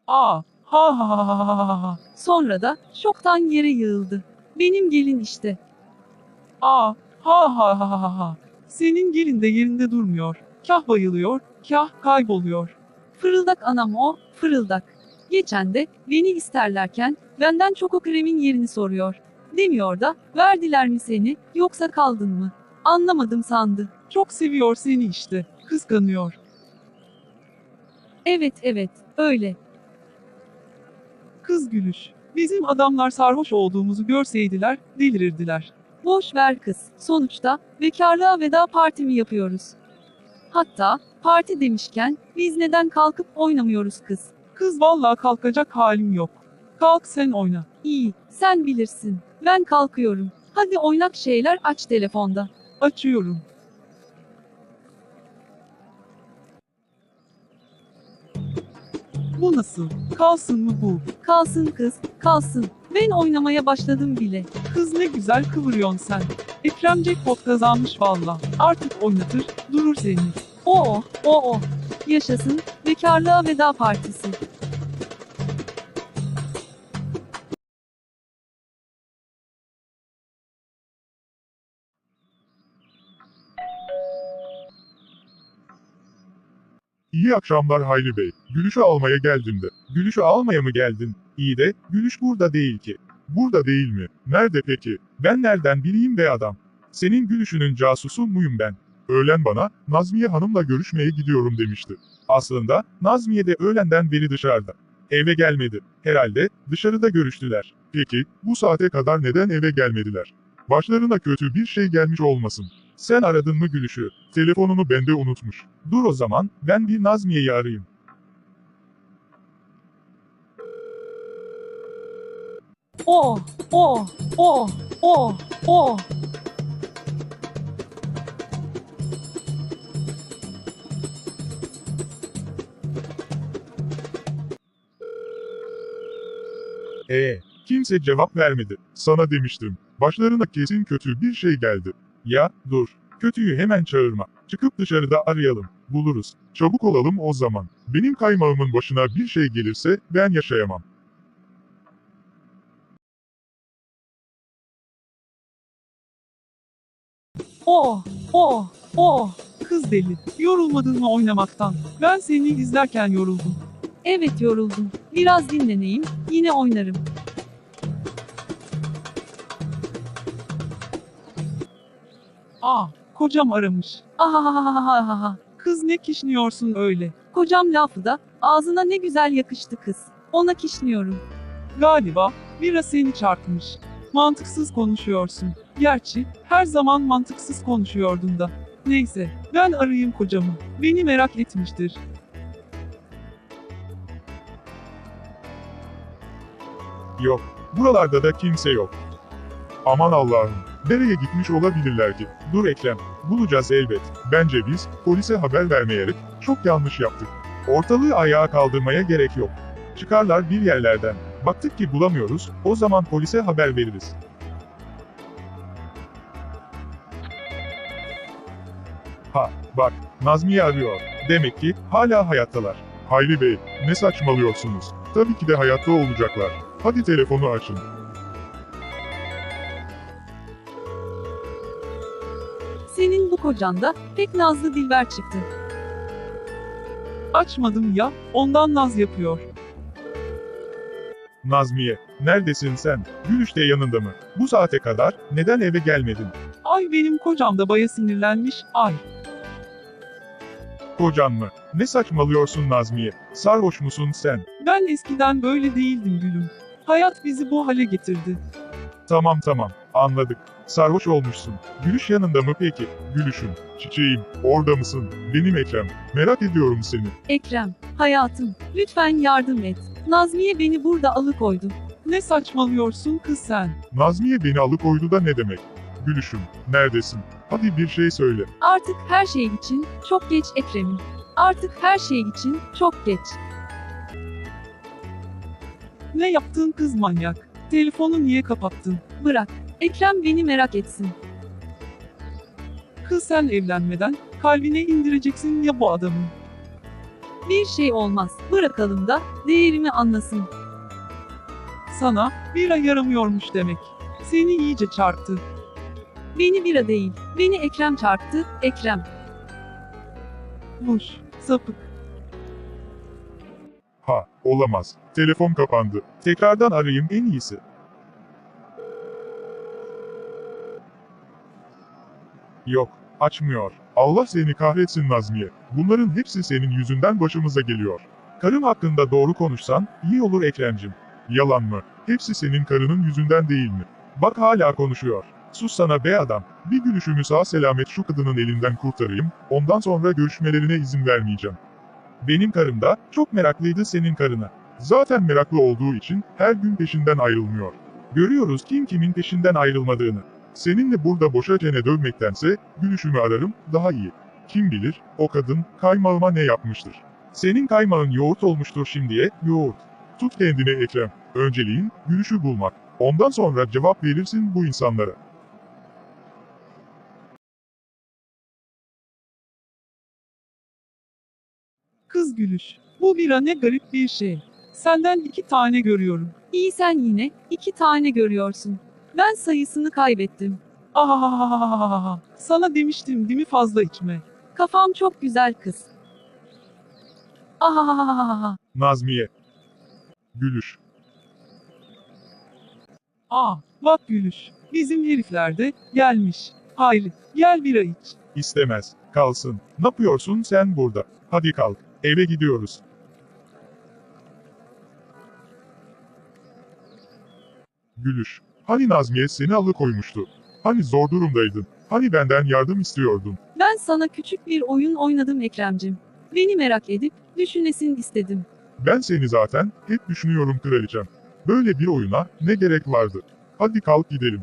Aa, ha ha ha ha ha ha ha. Sonra da şoktan yere yığıldı. Benim gelin işte. Aa, ha ha ha ha ha. Senin gelin de yerinde durmuyor. Kah bayılıyor, kah kayboluyor. Fırıldak anam o, fırıldak. Geçen de beni isterlerken benden Çoko Krem'in yerini soruyor. Demiyor da verdiler mi seni yoksa kaldın mı? Anlamadım sandı. Çok seviyor seni işte. Kıskanıyor. Evet, öyle. Kız gülüş. Bizim adamlar sarhoş olduğumuzu görseydiler, delirirdiler. Boş ver kız. Sonuçta bekarlığa veda partimi yapıyoruz. Hatta parti demişken biz neden kalkıp oynamıyoruz kız? Kız vallahi kalkacak halim yok. Kalk sen oyna. İyi, sen bilirsin. Ben kalkıyorum. Hadi oynak şeyler aç telefonda. Açıyorum. Bu nasıl? Kalsın mı bu? Kalsın kız, kalsın. Ben oynamaya başladım bile. Kız ne güzel kıvırıyorsun sen. Ekrem Jackpot kazanmış valla. Artık oynatır, durur seni. Oo. Yaşasın, bekarlığa veda partisi. İyi akşamlar Hayri Bey. Gülüşü almaya geldim de. Gülüşü almaya mı geldin? İyi de, Gülüş burada değil ki. Burada değil mi? Nerede peki? Ben nereden bileyim be adam? Senin Gülüşünün casusu muyum ben? Öğlen bana, Nazmiye Hanım'la görüşmeye gidiyorum demişti. Aslında, Nazmiye de öğlenden beri dışarıda. Eve gelmedi. Herhalde, dışarıda görüştüler. Peki, bu saate kadar neden eve gelmediler? Başlarına kötü bir şey gelmiş olmasın. Sen aradın mı Gülüş'ü? Telefonunu bende unutmuş. Dur o zaman, ben bir Nazmiye'yi arayayım. Oo. Kimse cevap vermedi. Sana demiştim. Başlarına kesin kötü bir şey geldi. Ya, dur. Kötüyü hemen çağırma. Çıkıp dışarıda arayalım. Buluruz. Çabuk olalım o zaman. Benim kaymağımın başına bir şey gelirse ben yaşayamam. Oo. Kız deli. Yorulmadın mı oynamaktan? Ben seni izlerken yoruldum. Evet yoruldum. Biraz dinleneyim, yine oynarım. Aa, kocam aramış. Ahahahahaha. Kız ne kişniyorsun öyle? Kocam lafı da ağzına ne güzel yakıştı kız. Ona kişniyorum. Galiba, bira seni çarpmış. Mantıksız konuşuyorsun. Gerçi, her zaman mantıksız konuşuyordun da. Neyse, ben arayayım kocamı. Beni merak etmiştir. Yok. Buralarda da kimse yok. Aman Allah'ım. Nereye gitmiş olabilirler ki? Dur Ekrem. Bulacağız elbet. Bence biz, polise haber vermeyerek, çok yanlış yaptık. Ortalığı ayağa kaldırmaya gerek yok. Çıkarlar bir yerlerden. Baktık ki bulamıyoruz, o zaman polise haber veririz. Ha, bak, Nazmiye arıyor. Demek ki, hala hayattalar. Hayri Bey, ne saçmalıyorsunuz? Tabii ki de hayatta olacaklar. Hadi telefonu açın. Senin bu kocan da pek nazlı dilber çıktı. Açmadım ya, ondan naz yapıyor. Nazmiye, neredesin sen? Gülüş de yanında mı? Bu saate kadar, neden eve gelmedin? Ay benim kocam da baya sinirlenmiş, ay. Kocan mı? Ne saçmalıyorsun Nazmiye? Sarhoş musun sen? Ben eskiden böyle değildim gülüm. Hayat bizi bu hale getirdi. Tamam, anladık. Sarhoş olmuşsun. Gülüş yanında mı peki? Gülüşüm, çiçeğim, orada mısın? Benim Ekrem, merak ediyorum seni. Ekrem, hayatım, lütfen yardım et. Nazmiye beni burada alıkoydu. Ne saçmalıyorsun kız sen? Nazmiye beni alıkoydu da ne demek? Gülüşüm, neredesin? Hadi bir şey söyle. Artık her şey için çok geç Ekrem'im. Artık her şey için çok geç. Ne yaptın kız manyak? Telefonu niye kapattın? Bırak. Ekrem beni merak etsin. Kız sen evlenmeden kalbine indireceksin ya bu adamı. Bir şey olmaz. Bırakalım da değerimi anlasın. Sana bira yaramıyormuş demek. Seni iyice çarptı. Beni bira değil, beni Ekrem çarptı, Ekrem. Boş, sapık. Ha, olamaz. Telefon kapandı. Tekrardan arayayım en iyisi. Yok, açmıyor. Allah seni kahretsin Nazmiye. Bunların hepsi senin yüzünden başımıza geliyor. Karım hakkında doğru konuşsan iyi olur Ekremcim. Yalan mı? Hepsi senin karının yüzünden değil mi? Bak hala konuşuyor. Sus sana be adam. Bir gülüşümü sağ selamet şu kadının elinden kurtarayım, ondan sonra görüşmelerine izin vermeyeceğim. Benim karım da çok meraklıydı senin karına. Zaten meraklı olduğu için her gün peşinden ayrılmıyor. Görüyoruz kim kimin peşinden ayrılmadığını. Seninle burada boşa çene dövmektense gülüşümü ararım daha iyi. Kim bilir o kadın kaymağıma ne yapmıştır. Senin kaymağın yoğurt olmuştur şimdiye yoğurt. Tut kendine Ekrem. Önceliğin gülüşü bulmak. Ondan sonra cevap verirsin bu insanlara. Kız gülüş. Bu bira ne garip bir şey. Senden 2 tane görüyorum. İyi sen yine 2 tane görüyorsun. Ben sayısını kaybettim. Ahahahahaha. Sana demiştim değil mi fazla içme. Kafam çok güzel kız. Ahahahaha. Nazmiye. Gülüş. Bak gülüş. Bizim herifler de gelmiş. Hayri, gel bira iç. İstemez. Kalsın. Ne yapıyorsun sen burada? Hadi kalk. Eve gidiyoruz. Gülüş. Hani Nazmiye seni alıkoymuştu? Hani zor durumdaydın? Hani benden yardım istiyordun? Ben sana küçük bir oyun oynadım Ekremcim. Beni merak edip düşünesin istedim. Ben seni zaten hep düşünüyorum kraliçem. Böyle bir oyuna ne gerek vardı? Hadi kalk gidelim.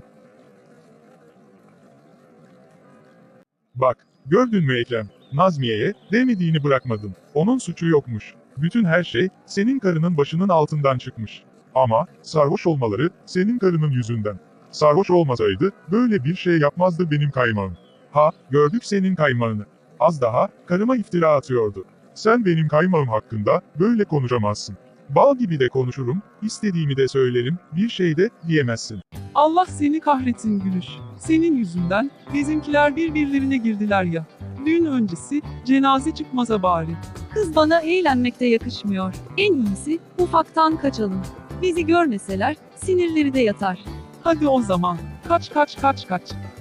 Bak, gördün mü Ekrem? Nazmiye'ye demediğini bırakmadın. Onun suçu yokmuş. Bütün her şey senin karının başının altından çıkmış. Ama sarhoş olmaları senin karının yüzünden. Sarhoş olmasaydı böyle bir şey yapmazdı benim kaymağım. Ha, gördük senin kaymağını. Az daha karıma iftira atıyordu. Sen benim kaymağım hakkında böyle konuşamazsın. Bal gibi de konuşurum, istediğimi de söylerim, bir şey de diyemezsin. Allah seni kahretsin gülüş. Senin yüzünden bizimkiler birbirlerine girdiler ya. Düğün öncesi cenaze çıkmasa bari. Kız bana eğlenmekte yakışmıyor. En iyisi ufaktan kaçalım. Bizi görmeseler sinirleri de yatar. Hadi o zaman. Kaç.